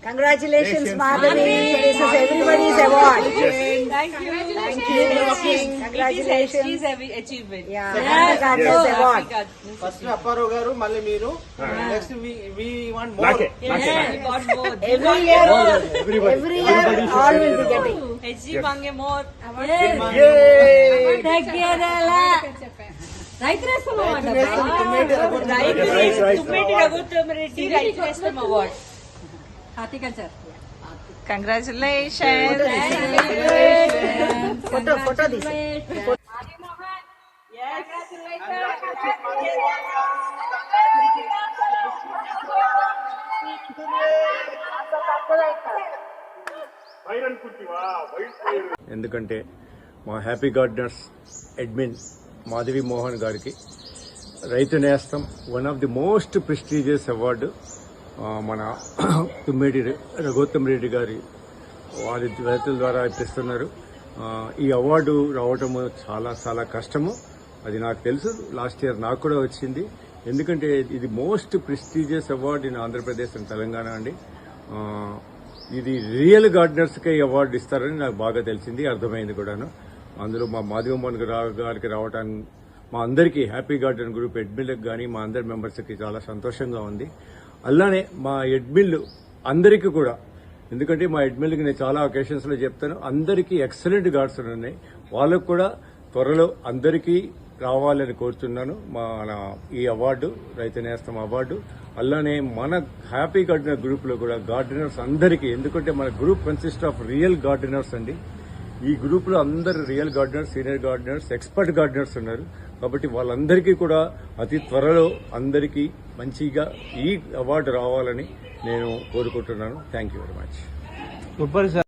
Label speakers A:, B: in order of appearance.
A: Congratulations, Madhavi. This is everybody's award.
B: Thank you.
A: Congratulations.
B: She's achievement.
A: Yeah, Gardeners award.
C: First Apparao garu మళ్ళీ మీరు next we want more
B: We got both.
A: Every year, all will be getting.
B: HG Mange more. Tummeti Raghuttamareddy Raitu Nestam Award.
D: Horticulture.
B: Congratulations.
A: Photo this.
E: ఎందుకంటే మా happy gardeners admin Madhavi Mohan గారికి Rythu Nestham one of the most prestigious award మన తుమ్మేటి రఘుత్తమ్ రెడ్డి గారి వారి రైతుల ద్వారా ఇప్పిస్తున్నారు. ఈ award రావటం చాలా చాలా కష్టము, అది నాకు తెలుసు. లాస్ట్ ఇయర్ నాకు కూడా వచ్చింది. ఎందుకంటే ఇది most prestigious award in Andhra Pradesh and Telangana అండి. ఇది రియల్ గార్డెనర్స్కే అవార్డు ఇస్తారని నాకు బాగా తెలిసింది, అర్థమైంది కూడాను. అందులో మా మాధవి మోహన్ గారికి రావడానికి మా అందరికీ హ్యాపీ గార్డెన్ గ్రూప్ అడ్మిన్లకు కానీ మా అందరి మెంబర్స్కి చాలా సంతోషంగా ఉంది. అలానే మా అడ్మిన్లు అందరికీ కూడా, ఎందుకంటే మా అడ్మిన్లకి నేను చాలా ఒకేషన్స్లో చెప్తాను, అందరికీ ఎక్సలెంట్ గార్డెన్స్ ఉన్నాయి. వాళ్ళకు కూడా త్వరలో అందరికీ రావాలని కోరుతున్నాను మన ఈ అవార్డు, రైతు నేస్తం అవార్డు. అలానే మన హ్యాపీ గార్డెనర్ గ్రూప్ లో కూడా గార్డెనర్స్ అందరికీ, ఎందుకంటే మన group consist of real gardeners అండి. ఈ గ్రూప్ లో అందరు real gardeners, senior gardeners, expert gardeners ఉన్నారు. కాబట్టి వాళ్ళందరికీ కూడా అతి త్వరలో అందరికీ మంచిగా ఈ అవార్డు రావాలని నేను కోరుకుంటున్నాను. Thank you very much.